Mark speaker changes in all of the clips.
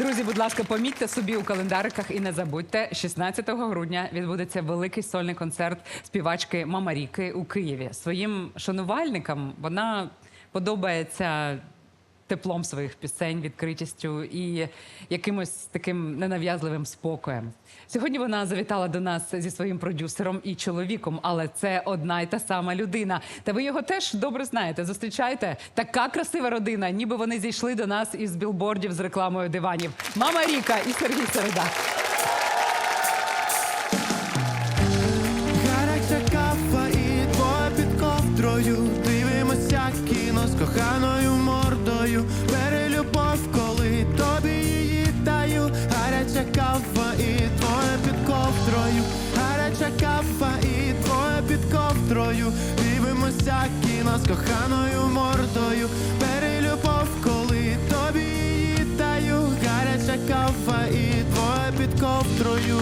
Speaker 1: Друзі, будь ласка, помітьте собі у календариках і не забудьте, 16 грудня відбудеться великий сольний концерт співачки Мамаріки у Києві. Своїм шанувальникам вона подобається теплом своїх пісень, відкритістю і якимось таким ненав'язливим спокоєм. Сьогодні вона завітала до нас зі своїм продюсером і чоловіком, але це одна й та сама людина. Та ви його теж добре знаєте, зустрічаєте? Така красива родина, ніби вони зійшли до нас із білбордів з рекламою диванів. Мамаріка і Сергій Середа.
Speaker 2: Гаряча кава і двоє під ковдрою. Дивимося кіно з коханою мордою. Бери любов, коли тобі її даю. Гаряча кава і двоє під ковдрою. Гаряча кава і двоє під ковдрою. Дивимося кіно з коханою мордою. Бери любов, коли тобі її даю. Гаряча кава і двоє під ковдрою.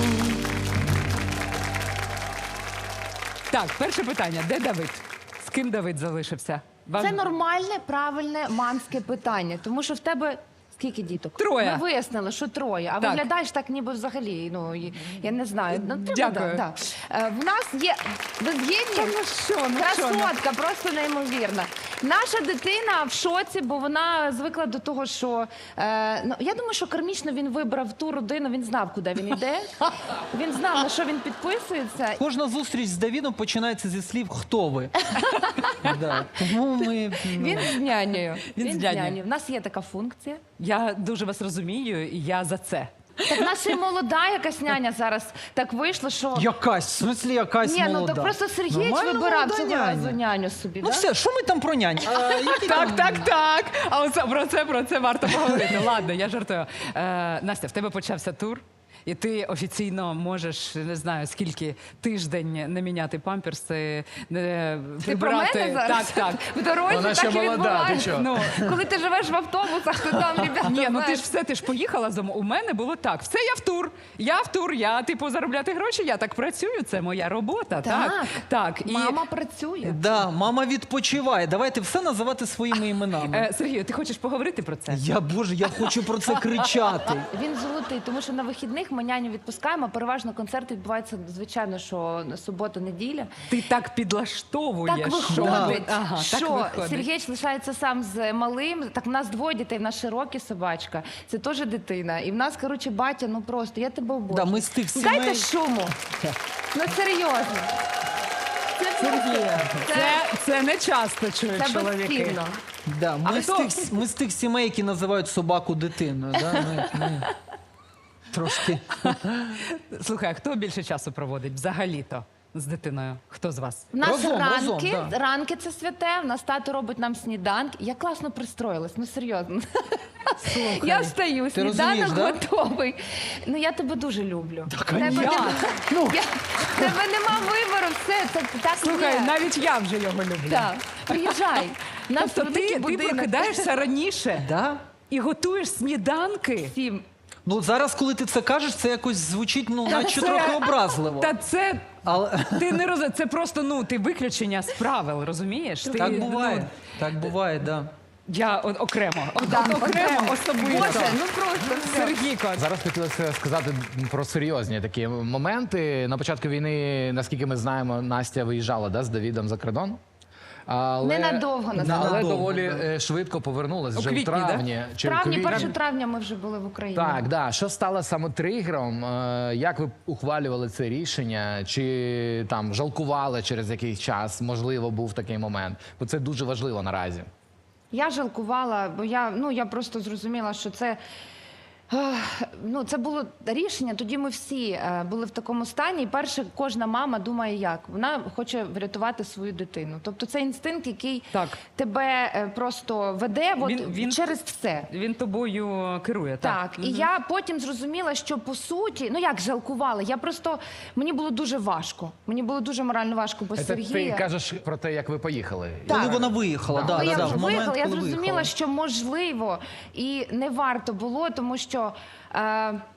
Speaker 1: Так, перше питання. Де Давид? З ким Давид залишився? Вам...
Speaker 3: Це нормальне, правильне мамське питання, тому що в тебе скільки діток?
Speaker 1: Троє.
Speaker 3: Ми вияснили, що троє, а
Speaker 1: Так.
Speaker 3: виглядаєш так, ніби взагалі, ну, я не знаю. Ну,
Speaker 1: Дякую.
Speaker 3: Да. В нас є, ви згідні? Красотка, просто неймовірна. Наша дитина в шоці, бо вона звикла до того, що, ну, я думаю, що кармічно він вибрав ту родину, він знав, куди він йде, він знав, на що він підписується.
Speaker 4: Кожна зустріч з Давідом починається зі слів «Хто ви?». Да. Тому ми...
Speaker 3: Він з нянею.
Speaker 1: Він з нянею.
Speaker 3: В нас є така функція.
Speaker 1: Я дуже вас розумію, і я за це.
Speaker 3: Так наша і молода якась няня зараз так вийшло, що...
Speaker 4: Якась, в смислі якась
Speaker 3: Ні,
Speaker 4: молода.
Speaker 3: ну так просто Сергій
Speaker 4: Нормальна
Speaker 3: вибирав
Speaker 4: молода
Speaker 3: цього
Speaker 4: няня.
Speaker 3: разу няню собі,
Speaker 4: Ну
Speaker 3: да?
Speaker 4: все, що ми там про нянь?
Speaker 1: Так. А оце, про це варто поговорити. Ладно, я жартую. Настя, в тебе почався тур. І ти офіційно можеш, не знаю, скільки тиждень не міняти памперси, не
Speaker 3: Ти про
Speaker 1: прибирати.
Speaker 3: мене зараз?
Speaker 1: Так.
Speaker 3: В дорозі
Speaker 5: Вона ще
Speaker 3: так і
Speaker 5: молода, ти
Speaker 3: відбувається.
Speaker 5: що?
Speaker 1: Ну,
Speaker 3: Коли ти живеш в автобусах, то там, ребята,
Speaker 1: ні, ну
Speaker 3: знаєш.
Speaker 1: ти ж поїхала за У мене було так. Все, я в тур, я типу заробляти гроші, я так працюю, це моя робота. Так. І
Speaker 3: Мама працює.
Speaker 4: Да, мама відпочиває. Давайте все називати своїми іменами.
Speaker 1: Сергію, ти хочеш поговорити про це?
Speaker 4: Боже, я хочу про це кричати.
Speaker 3: Він золотий, тому що на вихідних ми няню відпускаємо, переважно концерти відбуваються, звичайно, що субота-неділя.
Speaker 1: Ти так підлаштовуєш.
Speaker 3: Так
Speaker 1: що-
Speaker 3: виходить,
Speaker 1: Ага, так
Speaker 3: що
Speaker 1: виходить.
Speaker 3: Сергій лишається сам з малим. Так в нас двоє дітей, в нас Широкі собачка. Це теж дитина. І в нас, коротше, батя, ну просто, я тебе обожнюю.
Speaker 4: Да, ми з тих
Speaker 3: Дайте
Speaker 4: сімей...
Speaker 3: шуму. Ну серйозно.
Speaker 1: Це не часто чують
Speaker 3: Це
Speaker 1: чоловіки.
Speaker 3: безцінно.
Speaker 4: Да,
Speaker 1: хто?
Speaker 4: ми з тих сімей, які називають собаку дитиною. Да? Ми трошки...
Speaker 1: Слухай, а хто більше часу проводить взагалі-то з дитиною? Хто з вас?
Speaker 3: В нас
Speaker 4: Разом, да.
Speaker 3: ранки це святе, в нас тато робить нам сніданки. Я класно пристроїлась, ну серйозно. Я встаю,
Speaker 4: ти розумієш,
Speaker 3: сніданок
Speaker 4: да?
Speaker 3: готовий. Ну я тебе дуже люблю.
Speaker 4: Ну,
Speaker 3: Тебе нема вибору, все, це так
Speaker 1: Слухай,
Speaker 3: є.
Speaker 1: навіть я вже його люблю.
Speaker 3: Так, приїжджай. У нас
Speaker 1: Тобто
Speaker 3: великий
Speaker 1: ти
Speaker 3: будинок.
Speaker 1: прокидаєшся раніше
Speaker 4: да?
Speaker 1: і готуєш сніданки.
Speaker 3: Всім.
Speaker 4: Ну, зараз, коли ти це кажеш, це якось звучить, ну, наче
Speaker 1: це-
Speaker 4: трохи образливо.
Speaker 1: Та це
Speaker 4: Але...
Speaker 1: ти не розумієш, це просто ти виключення з правил, розумієш? Ти,
Speaker 4: Так буває, так буває, да.
Speaker 1: Я окремо,
Speaker 3: окремо.
Speaker 1: особисто.
Speaker 3: Боже, ну просто все.
Speaker 1: Сергійко,
Speaker 5: Зараз хотілося сказати про серйозні такі моменти. На початку війни, наскільки ми знаємо, Настя виїжджала з Давідом за кордон. Але,
Speaker 3: Ненадовго, насправді.
Speaker 5: але
Speaker 4: Ненадовго,
Speaker 5: доволі швидко повернулась. Вже
Speaker 1: квітні,
Speaker 5: в травні.
Speaker 3: В
Speaker 5: Чи в
Speaker 3: травні,
Speaker 5: квітні.
Speaker 3: 1 травня ми вже були в Україні.
Speaker 5: Так, да. Що стало саме тригером? Як ви ухвалювали це рішення? Чи там жалкували через якийсь час? Можливо, був такий момент. Бо це дуже важливо наразі.
Speaker 3: Я жалкувала, бо я просто зрозуміла, що це... це було рішення, тоді ми всі були в такому стані. І перше, кожна мама думає як? Вона хоче врятувати свою дитину. Тобто це інстинкт, який
Speaker 1: Так.
Speaker 3: тебе просто веде
Speaker 1: Він-
Speaker 3: через все.
Speaker 1: він тобою керує, так?
Speaker 3: Так, і я потім зрозуміла, що по суті, як жалкувала, мені було дуже важко. Мені було дуже морально важко, бо
Speaker 5: Це
Speaker 3: Сергія...
Speaker 5: ти кажеш про те, як ви поїхали.
Speaker 4: Коли вона виїхала,
Speaker 3: Коли я
Speaker 4: в
Speaker 3: вже
Speaker 4: момент,
Speaker 3: виїхала, я
Speaker 4: коли
Speaker 3: зрозуміла,
Speaker 4: виїхала.
Speaker 3: що можливо і не варто було, тому що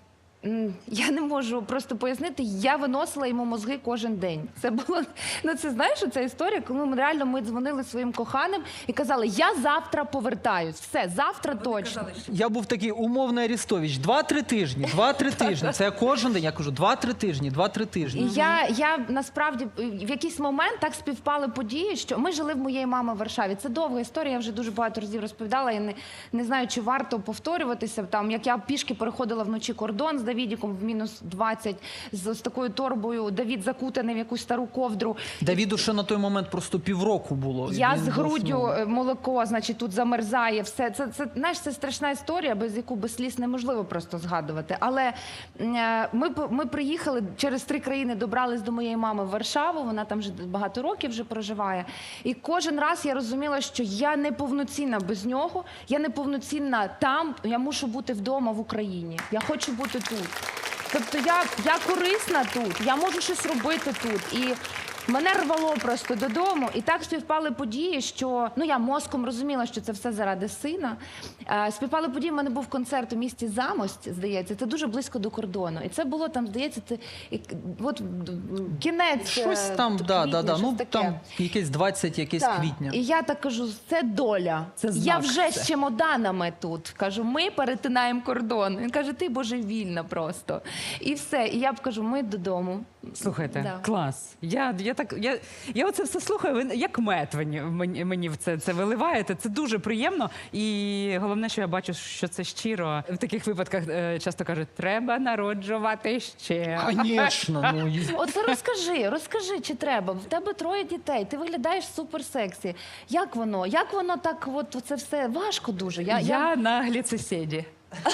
Speaker 3: Я не можу просто пояснити, я виносила йому мозги кожен день. Це було, ну це знаєш, ця історія, коли ми дзвонили своїм коханим і казали, я завтра повертаюсь, все, завтра точно.
Speaker 4: Я був такий умовний Арестович. 2-3 тижні, 2-3 тижні. Це я кожен день, я кажу, 2-3 тижні, 2-3 тижні.
Speaker 3: І я насправді в якийсь момент так співпали події, що ми жили в моєї мами в Варшаві. Це довга історія, я вже дуже багато разів розповідала. Я не знаю, чи варто повторюватися. Там, як я пішки переходила вночі кордон з Давідіком в мінус 20, з такою торбою, Давід закутаний в якусь стару ковдру.
Speaker 4: Давіду ще на той момент просто півроку було.
Speaker 3: Я
Speaker 4: Він
Speaker 3: з груддю,
Speaker 4: заснув.
Speaker 3: молоко, значить, тут замерзає, все. Це, знаєш, це страшна історія, без яку без сліз неможливо просто згадувати. Але ми приїхали, через 3 країни добрались до моєї мами в Варшаву, вона там вже багато років вже проживає. І кожен раз я розуміла, що я неповноцінна без нього, я неповноцінна там, я мушу бути вдома в Україні. Я хочу бути тут. Тобто я корисна тут, я можу щось робити тут. І мене рвало просто додому, і так співпали події, що, ну, я мозком розуміла, що це все заради сина. Співпали події, в мене був концерт у місті Замость, здається, це дуже близько до кордону. І це було там, здається, от кінець
Speaker 4: Щось там,
Speaker 3: квітня, щось
Speaker 4: ну
Speaker 3: таке.
Speaker 4: там якесь 20 якесь
Speaker 3: Так.
Speaker 4: квітня.
Speaker 3: І я так кажу, це доля.
Speaker 1: Це
Speaker 3: Я
Speaker 1: знак
Speaker 3: вже
Speaker 1: це.
Speaker 3: з чемоданами тут. Кажу, ми перетинаємо кордон. Він каже, ти божевільна просто. І все. І я б кажу, ми додому.
Speaker 1: Слухайте,
Speaker 3: Да.
Speaker 1: клас. Я оце все слухаю, ви як мед мені в це виливаєте. Це дуже приємно. І головне, що я бачу, що це щиро. В таких випадках часто кажуть, треба народжувати ще.
Speaker 4: Звісно, ну
Speaker 3: От розкажи, чи треба. В тебе 3 дітей, ти виглядаєш супер сексі. Як воно? Як воно так, от це все важко дуже?
Speaker 1: Я на гліцесіді.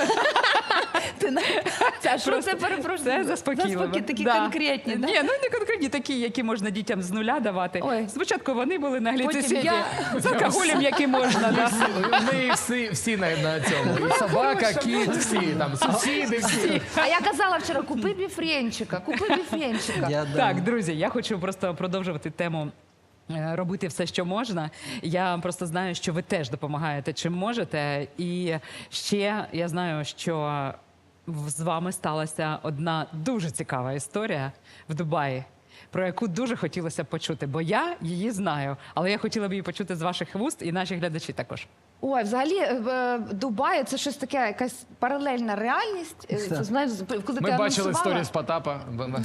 Speaker 3: Що це, перепрошую?
Speaker 1: Це заспокійливо.
Speaker 3: Такі
Speaker 1: Да.
Speaker 3: конкретні, да?
Speaker 1: Ні, ну не конкретні, такі, які можна дітям з нуля давати.
Speaker 3: Ой.
Speaker 1: Спочатку вони були на гліцесіді,
Speaker 3: я-
Speaker 1: з алкоголем, який можна. Да.
Speaker 5: Ми всі на цьому. І собака, кіт, всі там, сусіди, всі.
Speaker 3: А я казала вчора, купи біфренчика.
Speaker 1: Так, друзі, я хочу просто продовжувати тему. Робити все, що можна. Я просто знаю, що ви теж допомагаєте, чим можете. І ще я знаю, що з вами сталася одна дуже цікава історія в Дубаї, про яку дуже хотілося б почути, бо я її знаю, але я хотіла б її почути з ваших вуст і наші глядачі також.
Speaker 3: Ой, взагалі, Дубай – це щось таке, якась паралельна реальність. Це, знаєш, коли
Speaker 5: Ми
Speaker 3: ти
Speaker 5: бачили
Speaker 3: анонсувала-
Speaker 5: історію з Потапа.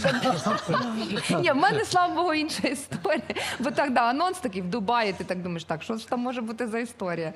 Speaker 3: Ні, в мене, слава Богу, інша історія. Бо так, да, анонс такий в Дубаї, ти так думаєш, так, що ж там може бути за історія?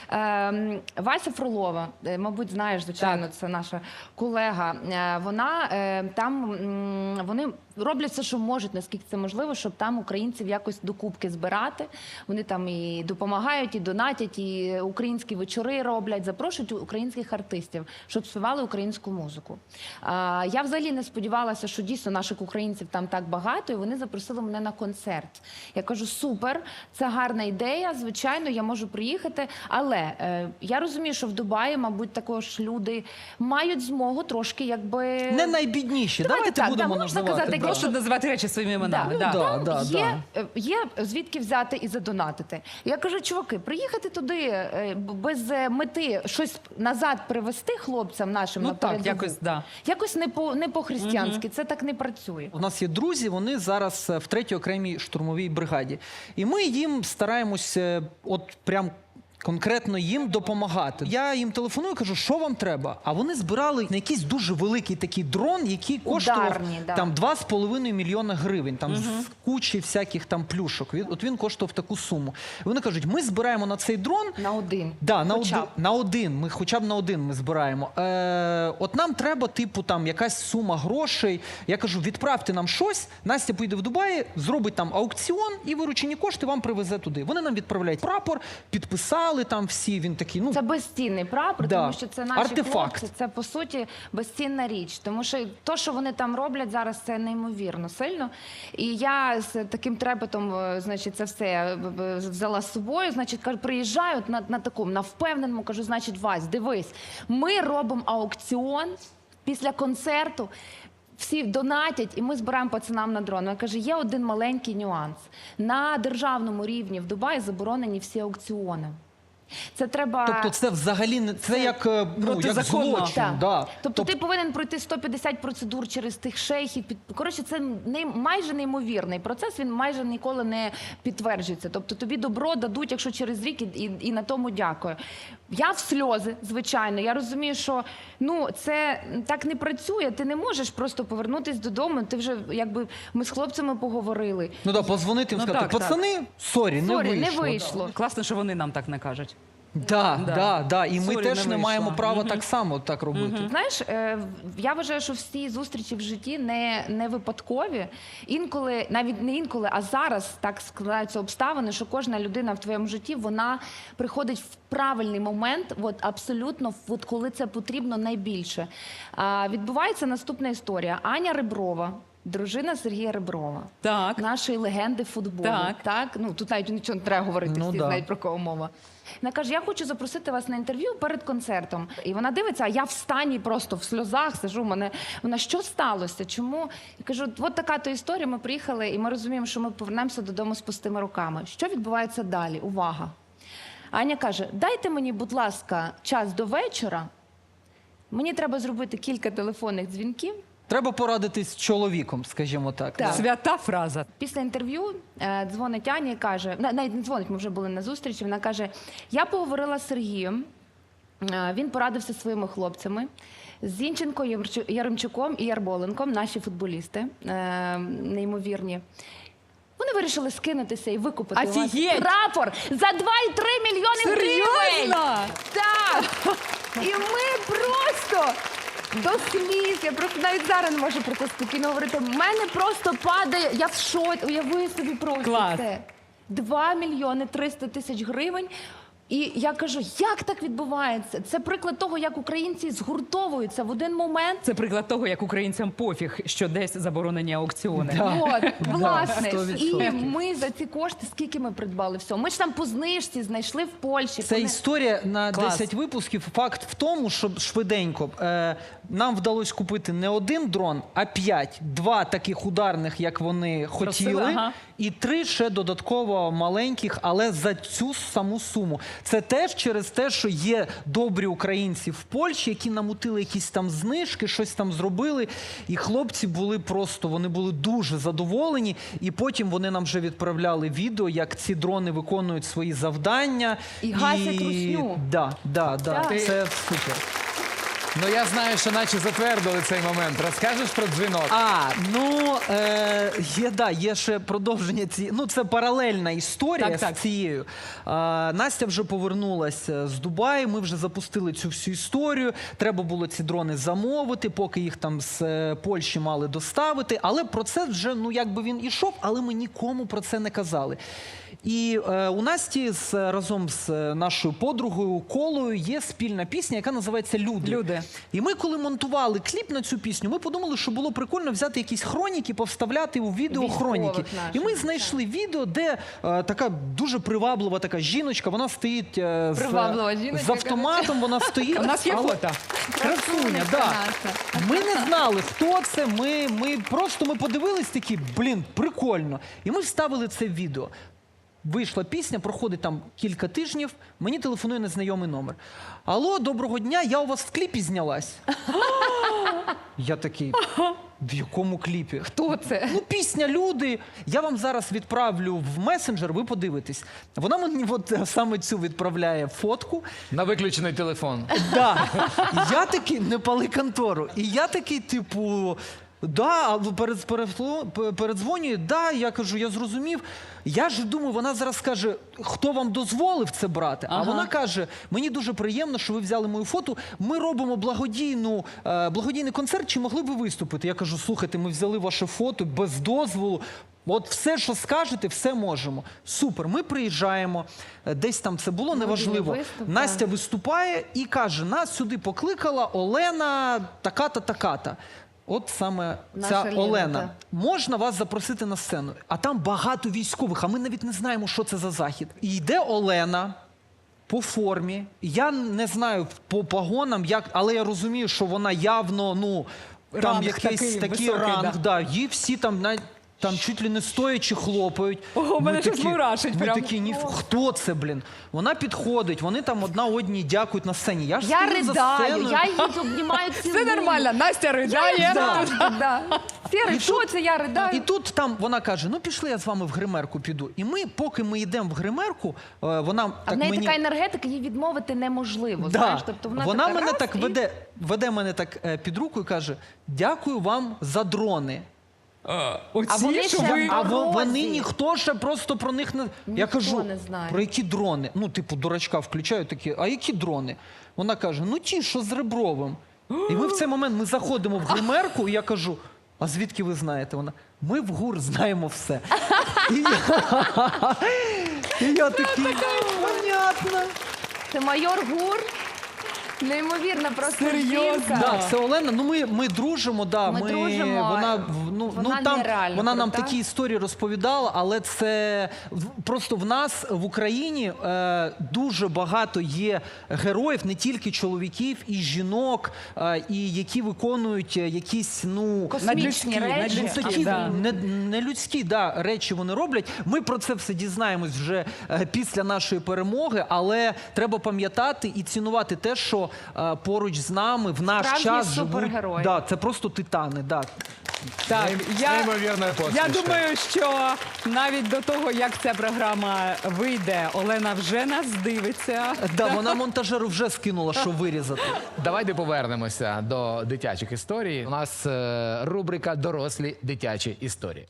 Speaker 3: Вася Фролова, мабуть, знаєш, звичайно, це наша колега. Вона там, вони роблять все, що можуть, наскільки це можливо, щоб там українців якось докупки збирати. Вони там і допомагають, і донатять, і українські вечори роблять, запрошують українських артистів, щоб співали українську музику. Я взагалі не сподівалася, що дійсно наших українців там так багато, і вони запросили мене на концерт. Я кажу, супер, це гарна ідея, звичайно, я можу приїхати, але я розумію, що в Дубаї, мабуть, також люди мають змогу трошки, якби...
Speaker 4: не найбідніші. Давайте
Speaker 3: так,
Speaker 4: будемо
Speaker 3: можна
Speaker 4: називати.
Speaker 3: казати,
Speaker 4: да.
Speaker 1: Просто називати речі своїми іменами.
Speaker 3: Да.
Speaker 1: Да.
Speaker 4: Да, да.
Speaker 3: Є звідки взяти і задонатити. Я кажу, чуваки, приїхати туди без мети щось назад привезти хлопцям нашим
Speaker 1: Ну
Speaker 3: на
Speaker 1: так,
Speaker 3: передову,
Speaker 1: якось, да.
Speaker 3: якось не по-християнськи, це так не працює.
Speaker 4: У нас є друзі, вони зараз в 3-й окремій штурмовій бригаді. І ми їм стараємось от прям конкретно їм допомагати. Я їм телефоную, кажу, що вам треба? А вони збирали на якийсь дуже великий такий дрон, який коштував
Speaker 3: Ударні, да.
Speaker 4: там 2,5 мільйона гривень, там з кучі всяких там плюшок. От він коштував таку суму. І вони кажуть, ми збираємо на цей дрон.
Speaker 3: На один.
Speaker 4: Да,
Speaker 3: Хоча б.
Speaker 4: на один. Ми хоча б на один ми збираємо. От нам треба, типу, там якась сума грошей. Я кажу, відправте нам щось. Настя поїде в Дубаї, зробить там аукціон і виручені кошти вам привезе туди. Вони нам відправляють прапор, підписали там всі. Він такий, ну
Speaker 3: Це безцінний прапор,
Speaker 4: Да.
Speaker 3: тому що це наші
Speaker 4: Артефакт.
Speaker 3: хлопці, це по суті безцінна річ. Тому що то, що вони там роблять зараз, це неймовірно сильно. І я з таким трепетом, значить, це все взяла з собою. Значить, кажу, приїжджаю на такому, на впевненому, кажу, значить, Вась, дивись, ми робимо аукціон після концерту. Всі донатять, і ми збираємо пацанам на дрон. Я кажу, є один маленький нюанс. На державному рівні в Дубаї заборонені всі аукціони. Це треба...
Speaker 4: Тобто це взагалі не це як, як
Speaker 1: протизаконно.
Speaker 4: злочин.
Speaker 3: Так.
Speaker 4: Да.
Speaker 3: Тобто ти повинен пройти 150 процедур через тих шейхів. Коротше, це майже неймовірний процес, він майже ніколи не підтверджується. Тобто тобі добро дадуть, якщо через рік, і на тому дякую. Я в сльози, звичайно. Я розумію, що це так не працює. Ти не можеш просто повернутися додому. Ти вже, ми з хлопцями поговорили.
Speaker 4: Ну так, позвонити їм,
Speaker 1: Ну,
Speaker 4: сказати,
Speaker 1: так,
Speaker 4: пацани, сорі, не
Speaker 3: Сорі,
Speaker 4: вийшло.
Speaker 3: не вийшло.
Speaker 1: Класно, що вони нам так не кажуть.
Speaker 4: Да. І ми
Speaker 1: Сорі,
Speaker 4: теж
Speaker 1: не
Speaker 4: не маємо
Speaker 1: вийшло.
Speaker 4: права так само так робити.
Speaker 3: Знаєш, я вважаю, що всі зустрічі в житті не випадкові. Інколи, навіть не інколи, а зараз так складаються обставини, що кожна людина в твоєму житті, вона приходить в правильний момент, абсолютно, коли це потрібно найбільше. Відбувається наступна історія. Аня Реброва, дружина Сергія Реброва.
Speaker 1: Так.
Speaker 3: Нашої легенди футболу.
Speaker 1: Так.
Speaker 3: Тут навіть нічого не треба говорити,
Speaker 4: Ну,
Speaker 3: всі
Speaker 4: да.
Speaker 3: знають, про кого мова. Вона каже, я хочу запросити вас на інтерв'ю перед концертом. І вона дивиться, а я в стані просто в сльозах сижу. Вона, що сталося? Чому? Я кажу, от така то історія, ми приїхали, і ми розуміємо, що ми повернемося додому з пустими руками. Що відбувається далі? Увага! Аня каже, дайте мені, будь ласка, час до вечора. Мені треба зробити кілька телефонних дзвінків.
Speaker 4: Треба порадитись з чоловіком, скажімо так.
Speaker 3: Так.
Speaker 1: Свята фраза.
Speaker 3: Після інтерв'ю дзвонить Аня і каже, навіть не дзвонить, ми вже були на зустрічі, вона каже, я поговорила з Сергієм, він порадився зі своїми хлопцями, з Зінченко, Яремчуком і Ярболенком, наші футболісти, неймовірні. Вони вирішили скинутися і викупити у вас
Speaker 1: Офігеть!
Speaker 3: прапор за 2,3 мільйони гривень!
Speaker 1: Серйозно?
Speaker 3: Так! І ми просто до сліз, я просто навіть зараз не можу про це спокійно говорити. В мене просто падає, я в шоці, уяви собі просто
Speaker 1: Клас.
Speaker 3: це. 2 мільйони 300 тисяч гривень. І я кажу, як так відбувається? Це приклад того, як українці згуртовуються в один момент.
Speaker 1: Це приклад того, як українцям пофіг, що десь заборонені аукціони.
Speaker 3: От, власне.
Speaker 4: 100%.
Speaker 3: І ми за ці кошти, скільки ми придбали всього? Ми ж там по знижці знайшли в Польщі.
Speaker 4: Це історія на
Speaker 1: Клас.
Speaker 4: 10 випусків. Факт в тому, що швиденько нам вдалося купити не один дрон, а 5. 2 таких ударних, як вони хотіли,
Speaker 1: ага.
Speaker 4: і 3 ще додатково маленьких, але за цю саму суму. Це теж через те, що є добрі українці в Польщі, які намутили якісь там знижки, щось там зробили. І хлопці були просто, вони були дуже задоволені. І потім вони нам вже відправляли відео, як ці дрони виконують свої завдання.
Speaker 3: І гасять русню.
Speaker 4: Да.
Speaker 3: Так.
Speaker 4: Це супер.
Speaker 5: Ну я знаю, що наче затвердили цей момент. Розкажеш про дзвінок?
Speaker 4: Є ще продовження цієї. Ну, це паралельна історія
Speaker 1: Так.
Speaker 4: з цією. Настя вже повернулася з Дубаю, ми вже запустили цю всю історію. Треба було ці дрони замовити, поки їх там з Польщі мали доставити. Але процес вже, він ішов, але ми нікому про це не казали. І у Насті разом з нашою подругою Колою є спільна пісня, яка називається «Люди».
Speaker 1: «Люди».
Speaker 4: І ми, коли монтували кліп на цю пісню, ми подумали, що було прикольно взяти якісь хроніки, повставляти у відео хроніки.
Speaker 3: Військових наших,
Speaker 4: І ми знайшли відео, де така дуже приваблива така жіночка, вона стоїть
Speaker 3: Приваблива жіночка,
Speaker 4: з автоматом, вона стоїть.
Speaker 1: У нас є
Speaker 4: але-
Speaker 1: фото.
Speaker 4: Красуня, да. Ми не знали, хто це, ми просто подивились такі, прикольно. І ми вставили це в відео. Вийшла пісня, проходить там кілька тижнів, мені телефонує незнайомий номер. Алло, доброго дня, я у вас в кліпі знялась. Я такий, в якому кліпі?
Speaker 3: Хто це?
Speaker 4: Пісня «Люди». Я вам зараз відправлю в месенджер, ви подивитесь. Вона мені саме цю відправляє фотку.
Speaker 5: На виключений телефон.
Speaker 4: Да. Я такий, не пали контору. І я такий, передзвонює, я кажу, я зрозумів. Я ж думаю, вона зараз скаже, хто вам дозволив це брати? А вона каже, мені дуже приємно, що ви взяли мою фото, ми робимо благодійний концерт, чи могли б ви виступити? Я кажу, слухайте, ми взяли ваше фото без дозволу, от все, що скажете, все можемо. Супер, ми приїжджаємо, десь там це було, неважливо.
Speaker 3: виступ,
Speaker 4: Настя виступає і каже, нас сюди покликала Олена така-то, така-то. От саме
Speaker 3: Наша
Speaker 4: ця
Speaker 3: Лена,
Speaker 4: Олена.
Speaker 3: так.
Speaker 4: Можна вас запросити на сцену? А там багато військових, а ми навіть не знаємо, що це за захід. І йде Олена по формі. Я не знаю по погонам, але я розумію, що вона явно, там
Speaker 1: Ранг
Speaker 4: якийсь
Speaker 1: такий
Speaker 4: такий
Speaker 1: високий,
Speaker 4: ранг.
Speaker 1: да.
Speaker 4: Її всі там Там чуть ли не стоячи хлопають.
Speaker 1: Ого, мене щось мурашить
Speaker 4: Ми
Speaker 1: прям.
Speaker 4: такі, хто це, блін? Вона підходить, вони там одна одній дякують на сцені. Я ж
Speaker 3: Я
Speaker 4: стою за
Speaker 3: ридаю,
Speaker 4: сценою.
Speaker 3: я її обнімаю цілую.
Speaker 1: Все нормально, Настя ридає.
Speaker 3: Да. Сірий, що це я ридаю?
Speaker 4: І тут там вона каже: ну пішли, я з вами в гримерку піду. І ми, поки ми йдемо в гримерку, вона
Speaker 3: А
Speaker 4: так
Speaker 3: в неї
Speaker 4: мені...
Speaker 3: така енергетика, їй відмовити неможливо.
Speaker 4: Да.
Speaker 3: Знаєш? Тобто вона така
Speaker 4: мене
Speaker 3: раз
Speaker 4: так
Speaker 3: і-
Speaker 4: веде мене так під руку і каже: дякую вам за дрони.
Speaker 1: Оці,
Speaker 3: А вони
Speaker 1: що
Speaker 3: ще
Speaker 1: ви...
Speaker 4: А
Speaker 3: Морозі.
Speaker 4: вони ніхто ще просто про них не... Я
Speaker 3: Ніхто
Speaker 4: кажу,
Speaker 3: не знає.
Speaker 4: про які дрони? Ну, типу, дурачка включаю такі, а які дрони? Вона каже, ну ті, що з Ребровим. І ми в цей момент ми заходимо в гримерку, і я кажу, а звідки ви знаєте? Вона, ми в ГУР знаємо все. І я такий, понятно.
Speaker 3: Це майор Гур. Неймовірна просто
Speaker 1: Серйозно?
Speaker 3: жінка.
Speaker 4: Да, це Олена. Ну ми дружимо. Да,
Speaker 3: Ми дружимо. Вона
Speaker 4: там
Speaker 3: нереально
Speaker 4: вона нам
Speaker 3: крута.
Speaker 4: такі історії розповідала, але це просто в нас в Україні дуже багато є героїв, не тільки чоловіків, і жінок, і які виконують якісь
Speaker 3: Космічні речі.
Speaker 4: такі
Speaker 1: да.
Speaker 4: нелюдські речі вони роблять. Ми про це все дізнаємось вже після нашої перемоги, але треба пам'ятати і цінувати те, що поруч з нами в наш
Speaker 3: Справжні
Speaker 4: час живуть.
Speaker 3: супергерої.
Speaker 4: Да, це просто титани. Да.
Speaker 1: Так,
Speaker 5: Неймовірна
Speaker 1: я
Speaker 5: посмішка.
Speaker 1: думаю, що навіть до того, як ця програма вийде, Олена вже нас дивиться.
Speaker 4: Да, вона монтажеру вже скинула, що вирізати.
Speaker 5: Давайте повернемося до дитячих історій. У нас рубрика «Дорослі дитячі історії».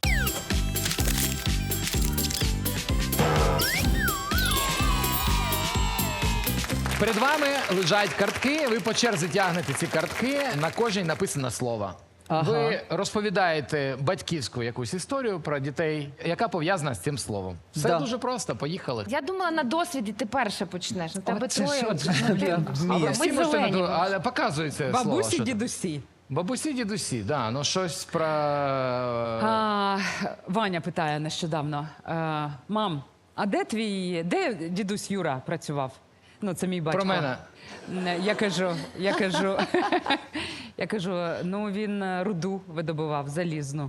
Speaker 5: Перед вами лежать картки, ви по черзі тягнете ці картки, на кожній написано слово.
Speaker 4: Ага.
Speaker 5: Ви розповідаєте батьківську якусь історію про дітей, яка пов'язана з цим словом. Все
Speaker 4: Да.
Speaker 5: дуже просто, поїхали.
Speaker 3: Я думала, на досвіді ти перше почнеш. На тебе
Speaker 1: це
Speaker 3: троє.
Speaker 1: що
Speaker 3: от,
Speaker 1: це?
Speaker 3: ну, ти-
Speaker 4: Я вмію.
Speaker 3: Ми
Speaker 5: Всі можете
Speaker 3: зелені.
Speaker 5: але показується слово.
Speaker 1: Бабусі,
Speaker 5: що там.
Speaker 1: дідусі.
Speaker 5: Бабусі, дідусі, да, ну щось про...
Speaker 1: Ваня питає нещодавно: мам, а де дідусь Юра працював? Ну, це мій батько.
Speaker 5: Про мене.
Speaker 1: Я кажу, ну він руду видобував, залізну.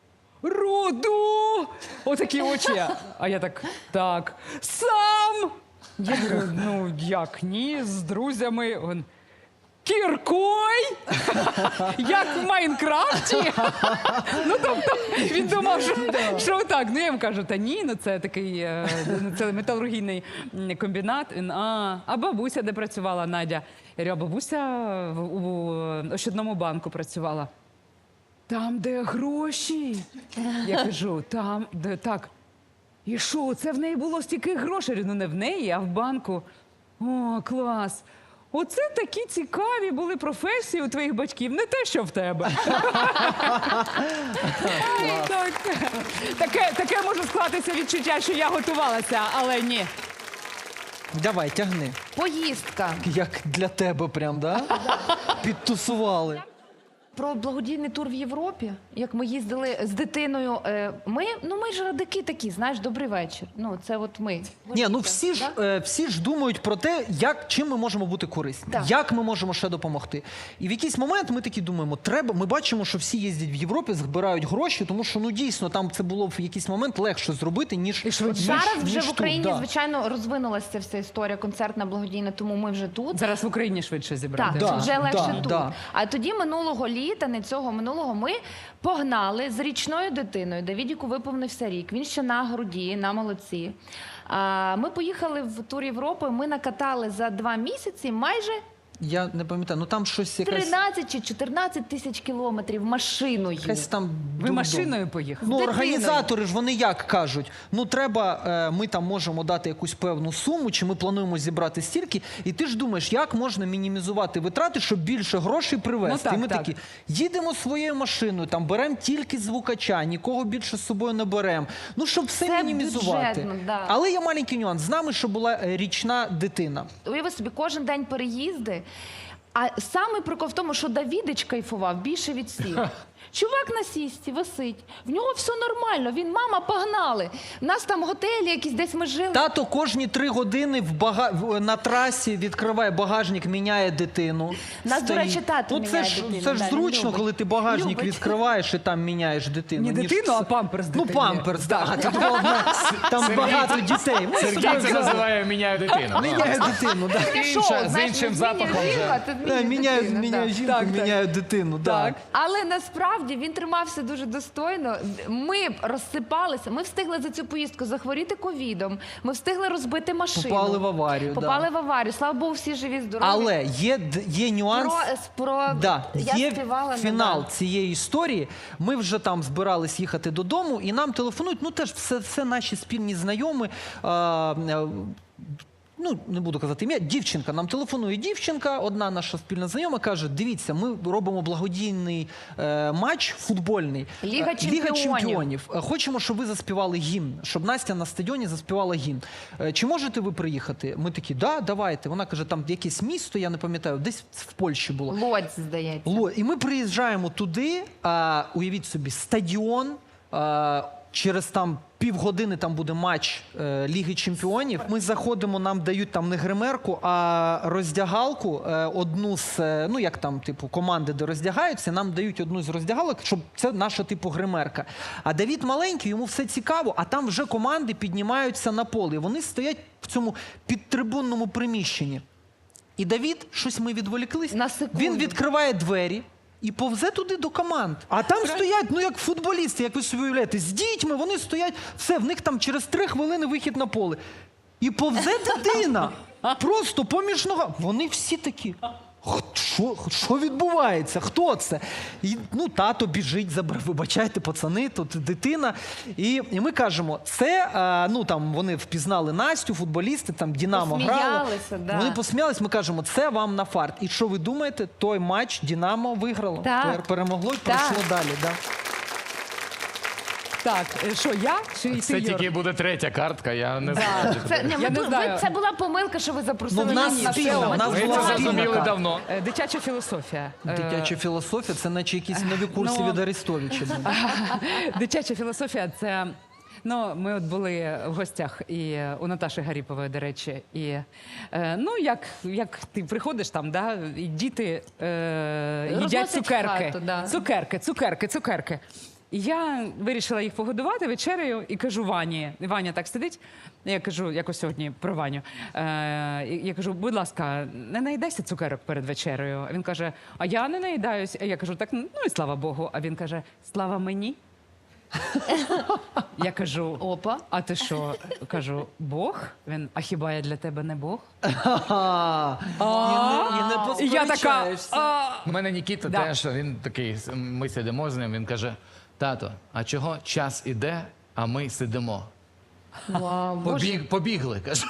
Speaker 1: Руду! Отакі очі. А я так, сам! Я говорю, ну як ні, з друзями. Він, кіркой? Як в Майнкрафті? Ну, тобто, він думав, що так. Ну, я йому кажу, та ні, ну це такий, це металургійний комбінат. Він, а бабуся де працювала, Надя? Я говорю, а бабуся у Ощадному банку працювала. Там, де гроші. Я кажу, там, де так. І що, це в неї було стільки грошей? Я говорю, ну не в неї, а в банку. О, клас. Оце такі цікаві були професії у твоїх батьків, не те, що в тебе. Таке може склатися відчуття, що я готувалася, але ні.
Speaker 4: Давай, тягни.
Speaker 3: Поїздка.
Speaker 4: Як для тебе прям, да? Підтусували.
Speaker 3: Про благодійний тур в Європі, як ми їздили з дитиною. Ми ж радики такі, знаєш, добрий вечір. Ну, це от ми.
Speaker 4: Ні, ну всі ж думають про те, чим ми можемо бути корисні,
Speaker 3: Так.
Speaker 4: як ми можемо ще допомогти. І в якийсь момент ми такі думаємо, ми бачимо, що всі їздять в Європі, збирають гроші, тому що, ну дійсно, там це було в якийсь момент легше зробити, ніж
Speaker 3: Зараз вже
Speaker 4: ніж
Speaker 3: в
Speaker 4: тут,
Speaker 3: Україні,
Speaker 4: да.
Speaker 3: звичайно, розвинулася ця вся історія концертна, благодійна, тому ми вже тут.
Speaker 1: Зараз в Україні швидше зібрати.
Speaker 3: Так,
Speaker 4: Да,
Speaker 3: вже легше
Speaker 4: да,
Speaker 3: тут.
Speaker 4: да.
Speaker 3: А тоді минулого літа, не цього минулого, ми погнали з річною дитиною. Давідіку виповнився рік. Він ще на груді, на молодці. Ми поїхали в тур Європи. Ми накатали за 2 місяці майже
Speaker 4: Я не пам'ятаю, ну там щось якась...
Speaker 3: 13 чи 14 тисяч кілометрів машиною.
Speaker 4: Якась там
Speaker 1: Ви
Speaker 4: дурдом.
Speaker 1: машиною поїхали?
Speaker 4: Ну,
Speaker 3: З дитиною.
Speaker 4: організатори ж вони як кажуть, ну треба, ми там можемо дати якусь певну суму, чи ми плануємо зібрати стільки, і ти ж думаєш, як можна мінімізувати витрати, щоб більше грошей привезти.
Speaker 1: Ну, так,
Speaker 4: і ми
Speaker 1: так.
Speaker 4: такі, їдемо своєю машиною, там беремо тільки звукача, нікого більше з собою не беремо. Ну, щоб все
Speaker 3: Це
Speaker 4: мінімізувати.
Speaker 3: бюджетно, да.
Speaker 4: Але є маленький нюанс. З нами, що була річна дитина.
Speaker 3: Уяви собі, кожен день переїзди. А саме прикол в тому, що Давідич кайфував більше від всіх. Чувак на сісті висить, в нього все нормально, він, мама, погнали. У нас там готелі якісь, десь ми жили.
Speaker 4: Тато кожні 3 години на трасі відкриває багажник, міняє дитину.
Speaker 3: Нас, до речі, тато
Speaker 4: Ну,
Speaker 3: міняє
Speaker 4: це ж,
Speaker 3: дитину,
Speaker 4: Це ж
Speaker 3: да, він
Speaker 4: зручно,
Speaker 3: любить.
Speaker 4: коли ти багажник
Speaker 3: Любить.
Speaker 4: відкриваєш і там міняєш дитину.
Speaker 1: Не
Speaker 4: ніж
Speaker 1: дитину,
Speaker 4: це-
Speaker 1: а памперс
Speaker 4: Ну,
Speaker 1: дитині.
Speaker 4: памперс, так. Там багато дітей. Ми
Speaker 5: Сергій
Speaker 4: собі
Speaker 5: це називає «міняю дитину».
Speaker 4: міняє дитину. Да.
Speaker 3: Таке шоу,
Speaker 5: Інша- з
Speaker 3: знаєш,
Speaker 5: іншим
Speaker 3: не
Speaker 5: запахом
Speaker 3: змінює
Speaker 5: вже.
Speaker 3: жінку, а ти змінюєш
Speaker 4: Міняють
Speaker 3: дитину, да.
Speaker 4: жінку,
Speaker 1: Так, так.
Speaker 4: міняють дитину.
Speaker 1: Так.
Speaker 3: Але насправді він тримався дуже достойно. Ми б розсипалися. Ми встигли за цю поїздку захворіти ковідом. Ми встигли розбити машину.
Speaker 4: Попали в аварію,
Speaker 3: Попали
Speaker 4: да.
Speaker 3: в аварію. Слава Богу, всі живі, здорові.
Speaker 4: Але є нюанс.
Speaker 3: Я
Speaker 4: Є
Speaker 3: співала,
Speaker 4: фінал
Speaker 3: да.
Speaker 4: цієї історії. Ми вже там збирались їхати додому, і нам телефонують. Ну теж все наші спільні знайомі. Ну, не буду казати ім'я, дівчинка. Нам телефонує дівчинка, одна наша спільна знайома, каже, дивіться, ми робимо благодійний матч футбольний.
Speaker 3: Ліга
Speaker 4: Чемпіонів. Хочемо, щоб ви заспівали гімн, щоб Настя на стадіоні заспівала гімн. Чи можете ви приїхати? Ми такі, да, давайте. Вона каже, там якесь місто, я не пам'ятаю, десь в Польщі було.
Speaker 3: Лодзь, здається.
Speaker 4: І ми приїжджаємо туди, уявіть собі, стадіон, через там півгодини там буде матч Ліги Чемпіонів. Ми заходимо, нам дають там не гримерку, а роздягалку, одну з, ну як там, типу, команди, де роздягаються, нам дають одну з роздягалок, щоб це наша, типу, гримерка. А Давід маленький, йому все цікаво, а там вже команди піднімаються на поле. І вони стоять в цьому підтрибунному приміщенні. І Давід, щось ми відволіклись,
Speaker 3: На секунду.
Speaker 4: він відкриває двері і повзе туди до команд. А там стоять, ну як футболісти, як ви собі уявляєте, з дітьми, вони стоять, все, в них там через 3 хвилини вихід на поле. І повзе дитина, просто поміж ногами. Вони всі такі, що відбувається, хто це? І, ну, тато біжить, вибачайте, пацани, тут дитина. І ми кажемо, це, ну там вони впізнали Настю, футболісти, там Динамо грало.
Speaker 3: Посміялися, да.
Speaker 4: Вони посміялись, ми кажемо, це вам на фарт. І що ви думаєте, той матч Динамо виграло,
Speaker 3: Так.
Speaker 4: перемогло і
Speaker 3: Так.
Speaker 4: пройшло далі. Да.
Speaker 1: Так, що я чи ти,
Speaker 5: Це
Speaker 1: Юр?
Speaker 5: тільки буде 3-я картка, я не знаю.
Speaker 1: Я не знаю.
Speaker 3: Це була помилка, що ви запросили
Speaker 4: Ну, в нас
Speaker 3: нас на
Speaker 4: спільна,
Speaker 3: шоу.
Speaker 4: в нас
Speaker 5: Ми
Speaker 4: була
Speaker 5: це
Speaker 4: спільна
Speaker 5: зрозуміли
Speaker 4: карта.
Speaker 5: давно.
Speaker 1: Дитяча філософія.
Speaker 4: Дитяча філософія, це наче якісь нові курси
Speaker 1: ну,
Speaker 4: від Арестовича.
Speaker 1: Дитяча філософія це. Ну, ми от були в гостях і у Наташі Гаріпової, до речі. І ну, як ти приходиш там, да, і діти їдять
Speaker 3: Розносять
Speaker 1: цукерки.
Speaker 3: хату, да.
Speaker 1: Цукерки. І я вирішила їх погодувати вечерею і кажу Вані. І Ваня так сидить. Я кажу, якось сьогодні про Ваню. Я кажу, будь ласка, не наїдайся цукерок перед вечерею. А він каже, а я не наїдаюсь. А я кажу, так, ну і слава Богу. А він каже, слава мені. Я кажу,
Speaker 3: Опа.
Speaker 1: а ти що? Кажу, Бог? Він, а хіба я для тебе не Бог?
Speaker 4: І не
Speaker 1: І я така,
Speaker 4: посперечаєшся.
Speaker 5: У мене Нікіта
Speaker 1: Да.
Speaker 5: теж, він такий, ми сидимо з ним, він каже, тато, а чого час іде, а ми сидимо?
Speaker 3: Вау, Боже.
Speaker 5: Побігли, каже.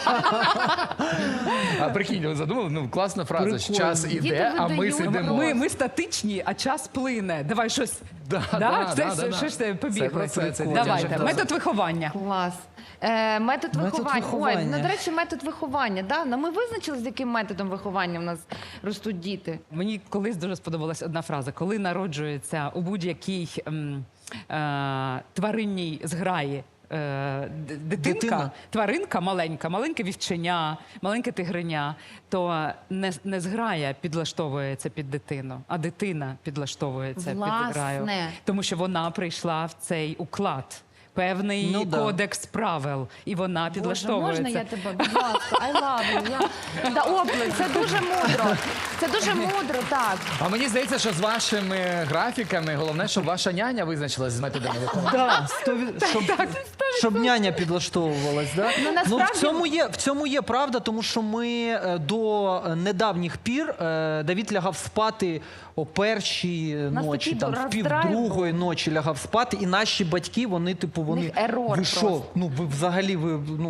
Speaker 5: А прикинь, ви задумали? Ну, класна фраза, що час
Speaker 3: Діти
Speaker 5: іде, а ми
Speaker 3: видають.
Speaker 5: сидимо.
Speaker 1: ми статичні, а час плине. Давай щось.
Speaker 5: Да.
Speaker 1: Що ж ти побігли?
Speaker 5: Це про це
Speaker 1: Давайте,
Speaker 5: дитяча
Speaker 1: метод виховання.
Speaker 3: Клас. Метод виховання.
Speaker 4: виховання.
Speaker 3: Ой, ну, до речі, метод виховання. Да? Ну, ми визначили, з яким методом виховання в нас ростуть діти.
Speaker 1: Мені колись дуже сподобалась одна фраза. Коли народжується у будь-якій тваринній зграї дитинка,
Speaker 4: Дитина.
Speaker 1: тваринка маленьке вівченя, маленьке тигриня, то не зграя підлаштовується під дитину, а дитина підлаштовується
Speaker 3: Власне.
Speaker 1: під зграю. Тому що вона прийшла в цей уклад. Певний
Speaker 4: Ну, да.
Speaker 1: кодекс правил, і вона
Speaker 3: Боже,
Speaker 1: підлаштовується.
Speaker 3: можна я тебе, будь ласка, I love you. Да, оплески. Це дуже мудро. Це дуже мудро, так.
Speaker 5: А мені здається, що з вашими графіками головне, щоб ваша няня визначилась з методами виховання.
Speaker 4: Да, щоб няня підлаштовувалась. Да?
Speaker 3: Ну, насправді-
Speaker 4: в цьому є правда, тому що ми до недавніх пір Давід лягав спати о 1-й
Speaker 3: нас
Speaker 4: ночі,
Speaker 3: такий
Speaker 4: там, в
Speaker 3: роздрайв
Speaker 4: 1:30 ночі лягав спати, і наші батьки, вони, типу,
Speaker 3: них ерор
Speaker 4: ви що?
Speaker 3: просто.
Speaker 4: Ну, ви взагалі, ну,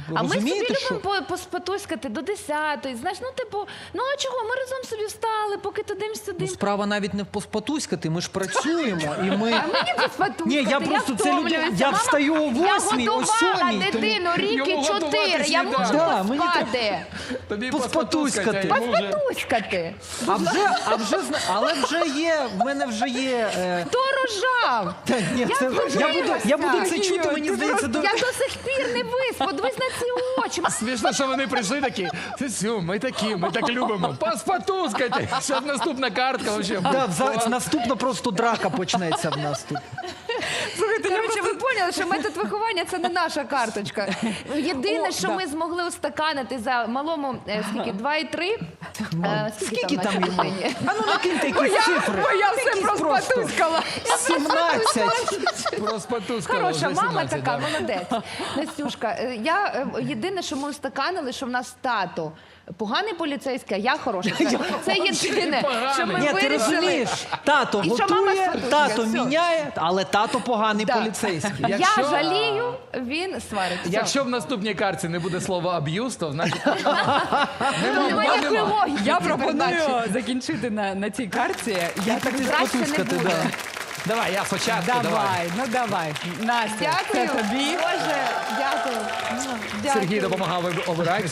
Speaker 3: А ми собі
Speaker 4: розумієте, що?
Speaker 3: любимо поспатуськати до 10-ї, знаєш, ну типу, ну а чого, ми разом собі встали, поки туди-сюди.
Speaker 4: Ну, справа навіть не в поспатуськати, ми ж працюємо, і ми...
Speaker 3: А мені поспатуськати,
Speaker 4: Ні, я просто це
Speaker 3: втомлююся.
Speaker 4: я
Speaker 3: Мама,
Speaker 4: встаю о 8-й, о
Speaker 3: Я годувала
Speaker 4: 7-й.
Speaker 3: дитину ріки
Speaker 5: Йому
Speaker 3: 4,
Speaker 5: готувати
Speaker 3: я
Speaker 5: сніданок.
Speaker 3: можу
Speaker 4: Да, мені
Speaker 3: поспати.
Speaker 5: Тобі
Speaker 4: Поспатуськати.
Speaker 3: Поспатуськати.
Speaker 4: Але вже є, в мене вже є...
Speaker 3: Хто рожав?
Speaker 4: Та, ні, це, я буду це чути, мені здається,
Speaker 3: Я до сих пір не виспа, дивись на ці очі.
Speaker 5: Смішно, що вони прийшли такі. Сю, ми такі, ми так любимо. Поспатускайте. Зараз наступна картка вообще.
Speaker 4: наступно просто драка почнеться в нас тут.
Speaker 1: Слухайте,
Speaker 3: Коротше, ви поняли, що метод виховання – це не наша карточка. Єдине, що ми змогли устаканити за малому, скільки, 2,3?
Speaker 4: Скільки там йому?
Speaker 3: дитині?
Speaker 4: А ну накиньте якісь цифри.
Speaker 1: Бо я все
Speaker 4: Якісь
Speaker 1: проспатускала.
Speaker 4: 17.
Speaker 5: Розпатускали
Speaker 3: Хороша
Speaker 5: вже
Speaker 3: мама
Speaker 5: 17,
Speaker 3: така,
Speaker 5: да.
Speaker 3: молодець. Настюшка, єдине, що ми устаканили, що в нас тато поганий поліцейський, а я хороша. Це єдине, що ми
Speaker 4: Ні, ти
Speaker 3: вирішили.
Speaker 4: розумієш, тато
Speaker 3: І що мама
Speaker 4: готує,
Speaker 3: спатує,
Speaker 4: тато
Speaker 3: все.
Speaker 4: міняє, але тато поганий
Speaker 3: Да.
Speaker 4: поліцейський.
Speaker 3: Я жалію, він сварить. Все.
Speaker 5: Якщо в наступній картці не буде слова аб'юз, то значить
Speaker 3: Немає ніякої логіки.
Speaker 1: Я
Speaker 3: в цій передачі.
Speaker 1: пропоную закінчити на цій карті. Я так
Speaker 3: Краще не
Speaker 4: Спатускати,
Speaker 3: буде.
Speaker 4: да.
Speaker 5: давай, я спочатку.
Speaker 1: давай, ну давай. Настя,
Speaker 3: Дякую.
Speaker 1: це тобі.
Speaker 3: Боже, дякую. Дякую.
Speaker 5: Сергій допомагав обирати.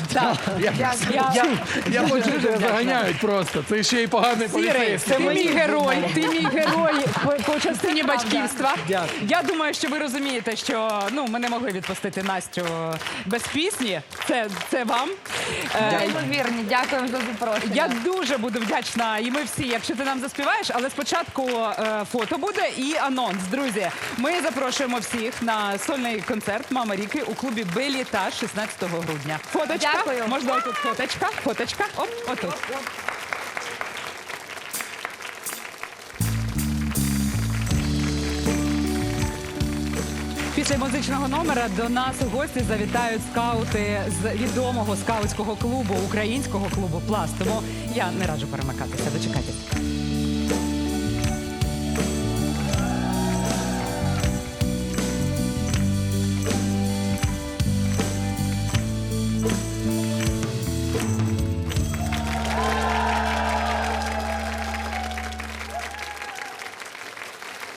Speaker 5: Я
Speaker 3: Дякую.
Speaker 5: хочу, що заганяють просто. Це ще й поганий
Speaker 1: Сірий,
Speaker 5: поліцейський.
Speaker 1: ти мій герой, ти мій герой по частині батьківства.
Speaker 4: Дякую.
Speaker 1: Я думаю, що ви розумієте, що ми не могли відпустити Настю без пісні. Це вам.
Speaker 3: Неймовірні, дякую за запрошення.
Speaker 1: Я дуже буду вдячна, і ми всі, якщо ти нам заспіваєш, але спочатку фото буде і анонс. Друзі, ми запрошуємо всіх на сольний концерт «Мама Ріки» у клубі «Белітаж» 16 грудня. Фоточка.
Speaker 3: Дякую.
Speaker 1: Можна отут фоточка. Фоточка. Оп, отут. Після музичного номера до нас у гості завітають скаути з відомого скаутського клубу, українського клубу «Пласт». Тому я не раджу перемикатися. Дочекайтесь.